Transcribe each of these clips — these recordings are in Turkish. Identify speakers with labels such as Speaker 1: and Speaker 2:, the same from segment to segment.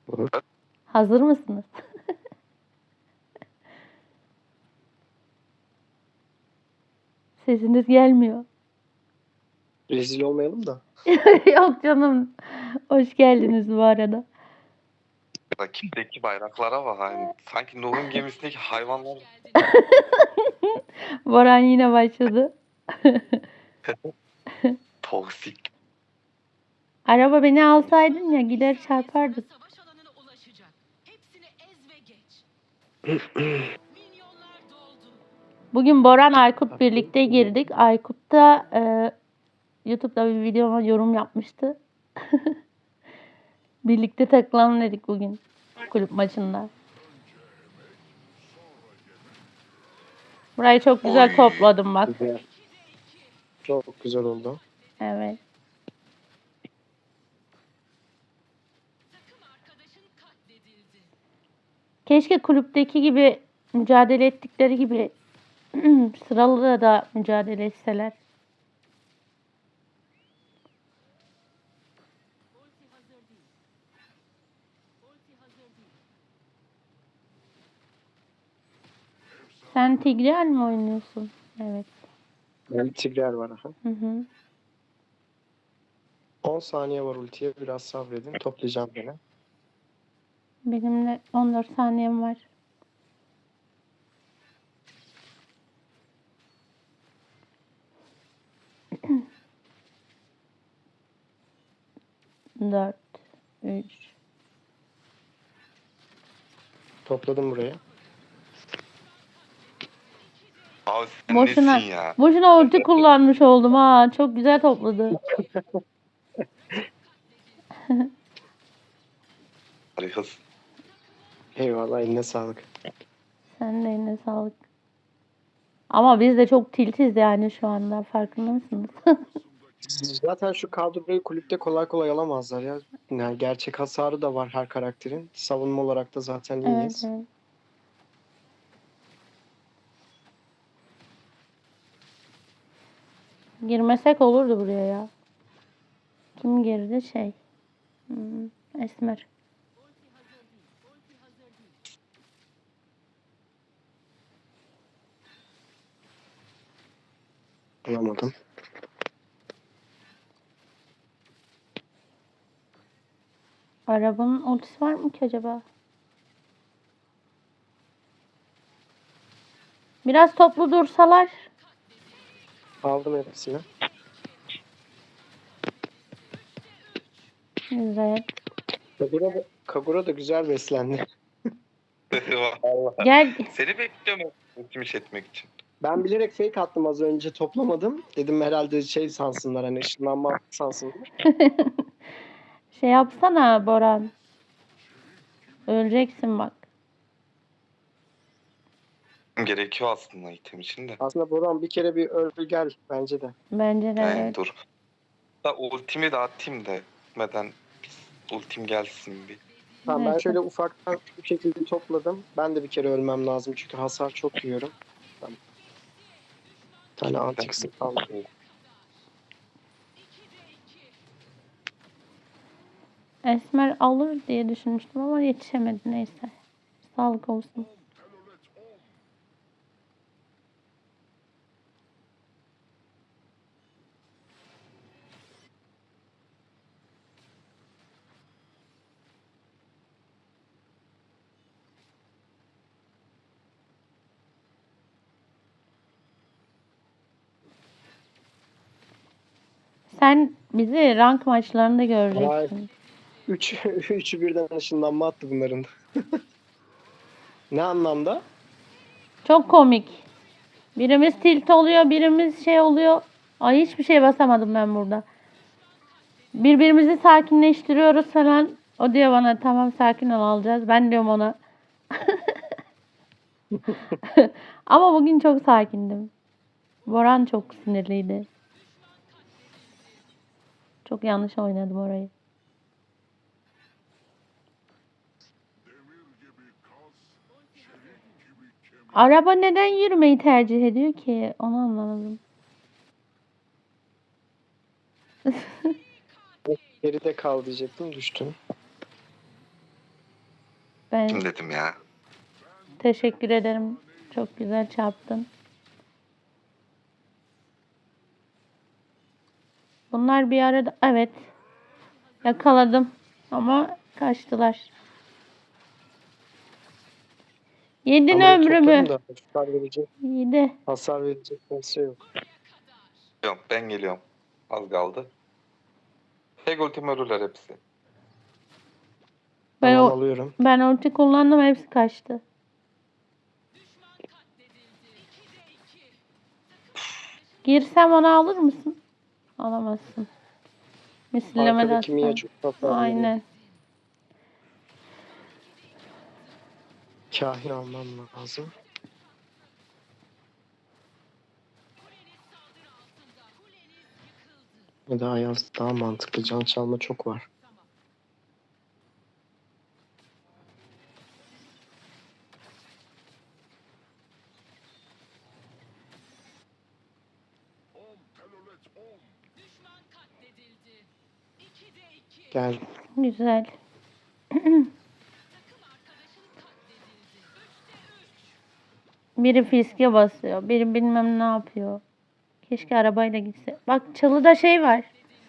Speaker 1: Olur.
Speaker 2: Hazır mısınız? Sesiniz gelmiyor.
Speaker 1: Rezil olmayalım da.
Speaker 2: Yok canım. Hoş geldiniz bu arada.
Speaker 3: Rakipteki bayraklara bak. Yani sanki Nuh'un gemisindeki hayvanlar.
Speaker 2: Boran yine başladı.
Speaker 3: Toksik.
Speaker 2: Araba beni alsaydın ya gider çarpardık.
Speaker 4: Savaş alanına ulaşacak. Hepsini ez ve geç. Milyonlar doldu.
Speaker 2: Bugün Boran Aykut birlikte girdik. Aykut da YouTube'da bir videoma yorum yapmıştı. Birlikte takılalım dedik bugün kulüp maçında. Burayı çok güzel
Speaker 3: Oy.
Speaker 2: topladım bak.
Speaker 1: Güzel. Çok güzel oldu.
Speaker 2: Evet.
Speaker 4: Takım arkadaşın katledildi.
Speaker 2: Keşke kulüpteki gibi mücadele ettikleri gibi sıralı da mücadele etseler.
Speaker 4: Ulti hazır değil. Ulti hazır değil.
Speaker 2: Sen Tigreal mi oynuyorsun? Evet.
Speaker 1: Ben Tigreal var. Aha.
Speaker 2: Hı hı.
Speaker 1: 10 saniye var ultiye. Biraz sabredin. Toplayacağım gene.
Speaker 2: Benim de 14 saniyem var. Dört, üç.
Speaker 1: Topladım buraya.
Speaker 3: Abi sen
Speaker 2: Boşuna,
Speaker 3: nesin ya?
Speaker 2: boşuna ulti kullanmış oldum ha. Çok güzel topladı.
Speaker 3: Harikasın.
Speaker 1: Eyvallah, eline sağlık.
Speaker 2: Sen de eline sağlık. Ama biz de çok tiltiz yani şu anda. Farkında mısınız?
Speaker 1: Zaten şu kadroyu kulüpte kolay kolay alamazlar ya. Yani gerçek hasarı da var her karakterin. Savunma olarak da zaten
Speaker 2: Evet,
Speaker 1: iyiyiz.
Speaker 2: evet. Girmesek olurdu buraya ya. Kim girdi? Esmer.
Speaker 4: Ulti hazır değil. Ulti hazır değil.
Speaker 1: Alamadım.
Speaker 2: Arabanın ultisi var mı ki acaba? Biraz toplu dursalar.
Speaker 1: Aldım hepsini.
Speaker 2: Güzel.
Speaker 1: Kagura da güzel beslendi.
Speaker 3: Vallahi.
Speaker 2: Gel.
Speaker 3: Seni bekliyorum ultimiş etmek için.
Speaker 1: Ben bilerek fake attım az önce, toplamadım. Dedim herhalde şey sansınlar, hani ışınlanma sansınlar.
Speaker 2: Şey yapsana Boran. Öleceksin bak.
Speaker 3: Gerekiyor aslında item için de.
Speaker 1: Aslında Boran bir kere bir öl gel bence de.
Speaker 2: Bence de
Speaker 3: Yani
Speaker 2: evet.
Speaker 3: dur. Da ultimi de atayım da gitmeden ultim gelsin bir.
Speaker 1: Tamam, ben
Speaker 2: Neyse.
Speaker 1: şöyle ufaktan bu şekilde topladım. Ben de bir kere ölmem lazım çünkü hasar çok yiyorum. Tamam. Bir tane antik sık aldım.
Speaker 2: Esmer alır diye düşünmüştüm ama yetişemedi neyse. Sağlık olsun. Sen bizi rank maçlarında göreceksin.
Speaker 1: Üçü birden ışınlanma attı bunların. Ne anlamda?
Speaker 2: Çok komik. Birimiz tilt oluyor, birimiz şey oluyor. Ay hiçbir şey basamadım ben burada. Birbirimizi sakinleştiriyoruz falan. O diyor bana tamam sakin ol alacağız. Ben diyorum ona. Ama bugün çok sakindim. Boran çok sinirliydi. Çok yanlış oynadım orayı. Araba neden yürümeyi tercih ediyor ki? Onu anlamadım.
Speaker 1: Geride kal diyecektim, düştüm.
Speaker 2: Ben
Speaker 3: Kim dedim ya.
Speaker 2: teşekkür ederim. Çok güzel çarptın. Bunlar bir arada. Evet. Yakaladım. Ama kaçtılar. Yedin
Speaker 1: Ben burayı
Speaker 2: ömrümü.
Speaker 1: topladım da
Speaker 2: Yedi.
Speaker 1: hasar verecek kimse yok.
Speaker 3: Yok, ben geliyorum. Az kaldı. Tek ultim ölürler hepsi.
Speaker 2: Ben,
Speaker 1: Tamam
Speaker 2: o,
Speaker 1: alıyorum.
Speaker 2: ben ulti kullandım. Hepsi kaçtı. Girsem onu alır mısın? Alamazsın. Misilleme de
Speaker 1: Arkadaki Mia
Speaker 2: atsam.
Speaker 1: çok hasar veriyor.
Speaker 2: Aynen.
Speaker 1: Kahin almam lazım. Ya da Ayaz daha mantıklı. Can çalma çok var. Gel.
Speaker 2: Güzel. Biri fiske basıyor. Biri bilmem ne yapıyor. Keşke arabayla gitse. Bak çalıda şey var.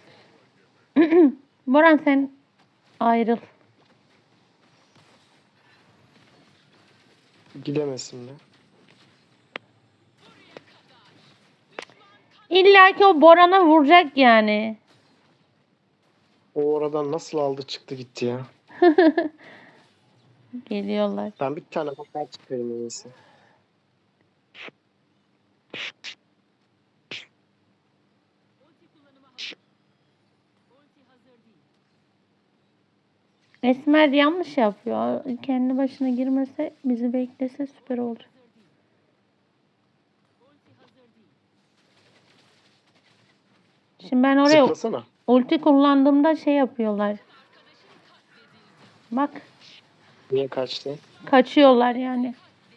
Speaker 2: Boran sen ayrıl.
Speaker 1: Gidemesin mi?
Speaker 2: İlla ki o Boran'a vuracak yani.
Speaker 1: O oradan nasıl aldı çıktı gitti ya.
Speaker 2: Geliyorlar.
Speaker 1: Ben bir tane bakar çıkarayım en iyisi.
Speaker 4: Ulti kullanıma hazır. Ulti hazır değil.
Speaker 2: Esmer yanlış yapıyor. Kendi başına girmese bizi beklese süper olur.
Speaker 4: Ulti hazır değil.
Speaker 2: Şimdi ben oraya
Speaker 1: Zıplasana.
Speaker 2: ulti kullandığımda şey yapıyorlar. Bak
Speaker 1: Niye kaçtı?
Speaker 2: kaçıyorlar yani.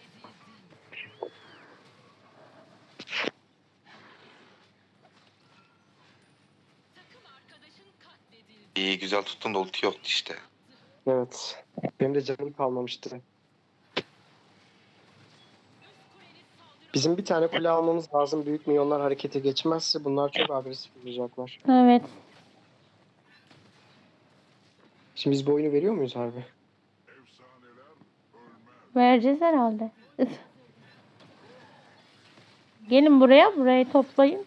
Speaker 3: İyi, güzel tuttun da ulti yoktu işte.
Speaker 1: Evet. Benim de canım kalmamıştı. Bizim bir tane kule almamız lazım. Büyük milyonlar harekete geçmezse bunlar çok agresif olacaklar.
Speaker 2: Evet.
Speaker 1: Şimdi biz bu oyunu veriyor muyuz harbi?
Speaker 2: Vereceğiz herhalde. Gelin buraya. Burayı toplayın.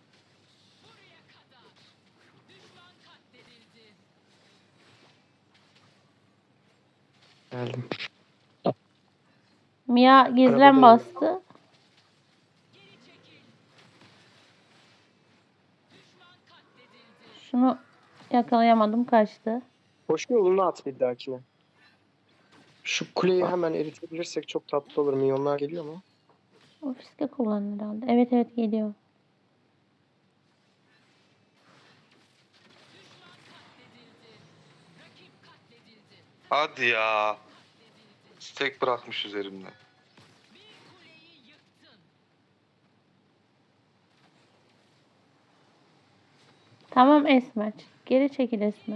Speaker 1: Geldim.
Speaker 2: Mia gizlen
Speaker 1: Arabadayım.
Speaker 2: bastı. Şunu yakalayamadım, kaçtı.
Speaker 1: Koşu yolunu at bir dahakine. Şu kuleyi hemen eritebilirsek çok tatlı olur. Milyonlar geliyor mu?
Speaker 2: Ofiste kullanır herhalde. Evet evet geliyor.
Speaker 3: Hadi ya. Stack bırakmış üzerimde.
Speaker 2: Tamam Esmer. Geri çekil Esmer.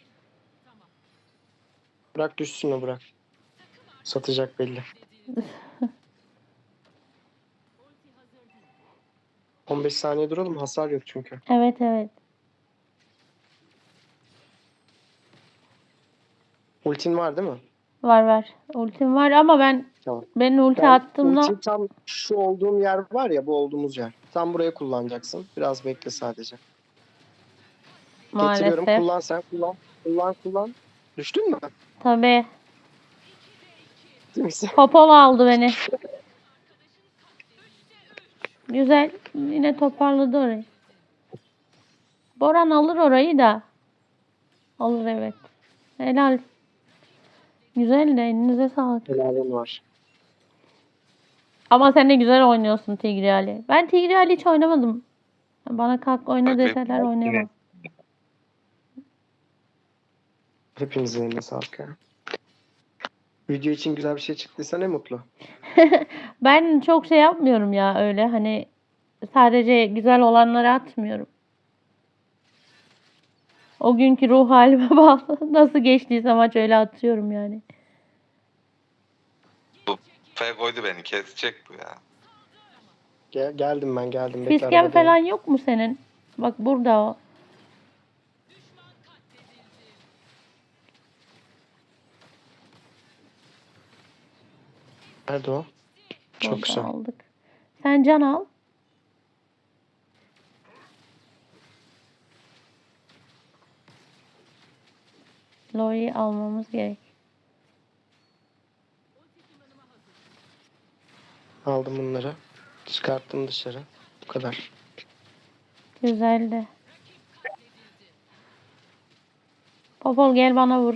Speaker 1: Bırak düşsün o bırak. Satacak belli. 15 saniye duralım. Hasar yok çünkü.
Speaker 2: Evet evet.
Speaker 1: Ultin var değil mi?
Speaker 2: Var var. Ultim var ama
Speaker 1: Tamam.
Speaker 2: ben ulti
Speaker 1: Ben
Speaker 2: attığımda
Speaker 1: ulti tam şu olduğum yer var ya, bu olduğumuz yer. Tam buraya kullanacaksın. Biraz bekle sadece. Getiriyorum.
Speaker 2: maalesef.
Speaker 1: Kullan sen. Kullan. Düştün mü?
Speaker 2: Tabii.
Speaker 1: Değil misin?
Speaker 2: Popol aldı beni. Güzel. Yine toparladı orayı. Boran alır orayı da. Alır evet. Helal. Güzel de elinize sağlık.
Speaker 1: Helalin var.
Speaker 2: Ama sen de güzel oynuyorsun Tigreali. Ben Tigreali hiç oynamadım. Bana kalk oyna deseler oynayamam.
Speaker 1: Hepinizin eline sağlık ya. Video için güzel bir şey çıktıysa ne mutlu.
Speaker 2: Ben çok şey yapmıyorum ya öyle hani sadece güzel olanları atmıyorum. O günkü ruh halime bağlı. Nasıl geçtiyse maç öyle atıyorum yani.
Speaker 3: Kafaya koydu beni. Kesecek bu ya.
Speaker 1: Geldim ben geldim. Bekle
Speaker 2: Fisken
Speaker 1: arabadayım.
Speaker 2: falan yok mu senin? Bak burada o.
Speaker 1: Nerede o? Çok
Speaker 2: Burada
Speaker 1: güzel.
Speaker 2: aldık. Sen can al. Lori'yi almamız gerek.
Speaker 1: Aldım bunları. Çıkarttım dışarı. Bu kadar.
Speaker 2: Güzeldi. Popol gel bana vur.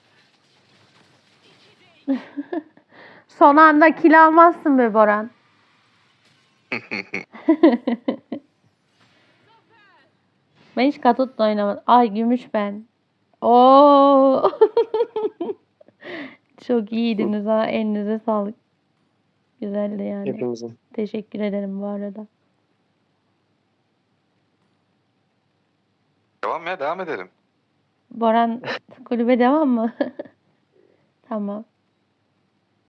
Speaker 2: Son anda kill almazsın be Boran. Ben hiç katutla oynamadım. Ay gümüş ben. Oo. Çok iyiydiniz ha. Elinize sağlık. Güzeldi yani.
Speaker 1: Hepimizin.
Speaker 2: Teşekkür ederim bu arada.
Speaker 3: Devam ya, devam edelim.
Speaker 2: Boran kulübe devam mı? Tamam.